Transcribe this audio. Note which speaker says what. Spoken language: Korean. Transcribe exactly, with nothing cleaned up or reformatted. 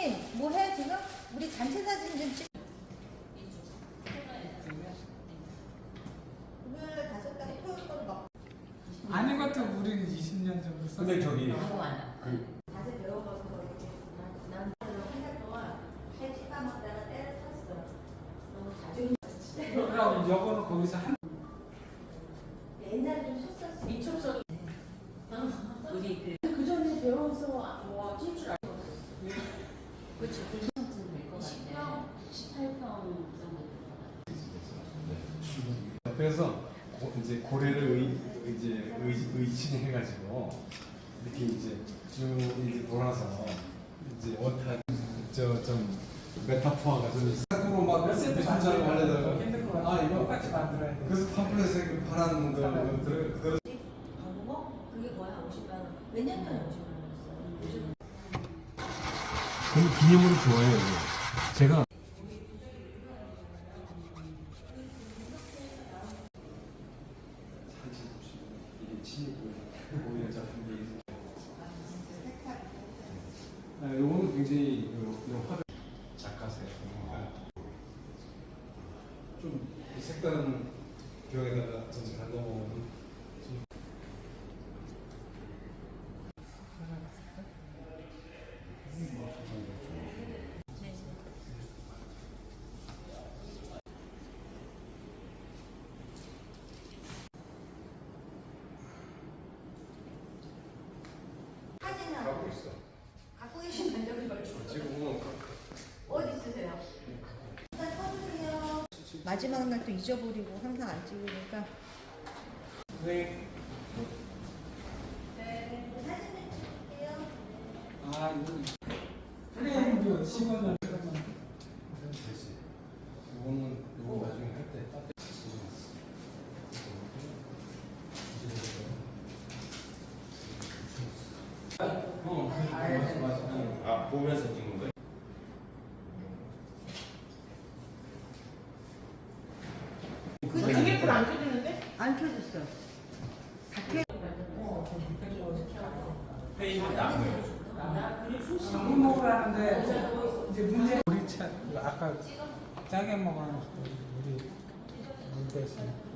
Speaker 1: 선생님 뭐 해 지금? 우리 단체 사진 좀 찍. 금요일 다섯 달에 토요일 거를 막.
Speaker 2: 아닌 것도 우리는 이십 년 정도 썼어.
Speaker 3: 근데 저기
Speaker 1: 그 자세 배워가서 이렇게 난 한달 동안 살 찌까먹다가 때를 탔어. 너무 자주.
Speaker 2: 그럼 여거는 거기서 한.
Speaker 1: 옛날에 좀 썼었어.
Speaker 4: 미촉성. 우리 그, 그 전에 배워서 뭐 찔 줄 알고. 그렇죠. 이십 평, 십팔 평 정도.
Speaker 3: 그래서 고, 이제 고래를 의, 이제 의, 의친해가지고 이렇게 이제 쭉 이제 돌아서 이제 원타 저좀 메타포화가 좀 으로 막
Speaker 2: 몇세트
Speaker 3: 순자를 하려다가
Speaker 2: 힘들 것 같아.
Speaker 3: 아 이거
Speaker 2: 똑같이 만들어야 돼.
Speaker 3: 그래서 팜플렛에 파란 거 들 들.
Speaker 1: 방법? 그게 뭐야? 오십만 원. 몇 년 전에 오십만 원이었어.
Speaker 3: 그럼 기념으로 좋아요 이거. 제가 이게 친이고 오히려 작품이 아, 요거는 굉장히 요, 요 화를 작가세요. 좀 색다른 벽에다가 전체 넣어보면
Speaker 1: 사진은
Speaker 3: 갖고 있어.
Speaker 1: 갖고 계신 만족을 걸쳐.
Speaker 3: 지금
Speaker 1: 어디 있으세요? 일단 써주세요. 마지막 날 또 잊어버리고 항상 안 찍으니까.
Speaker 2: 네.
Speaker 1: 네. 사진 좀 찍을게요.
Speaker 2: 아 이거. 그래 십오 년.
Speaker 3: 되지. 이거는 이거 나중에 할 때 딱. 어, 맞아, 맞아.
Speaker 5: 아, 보면서 찍는 거예요?
Speaker 4: 그게 불 안 켜지는데?
Speaker 1: 안 켜졌어. 다 켜.
Speaker 5: 회의는 안 보여줘.
Speaker 2: 술 먹으라는데 이제 문제 우리 차 아까 짜게 먹어놓은 우리 물 대신.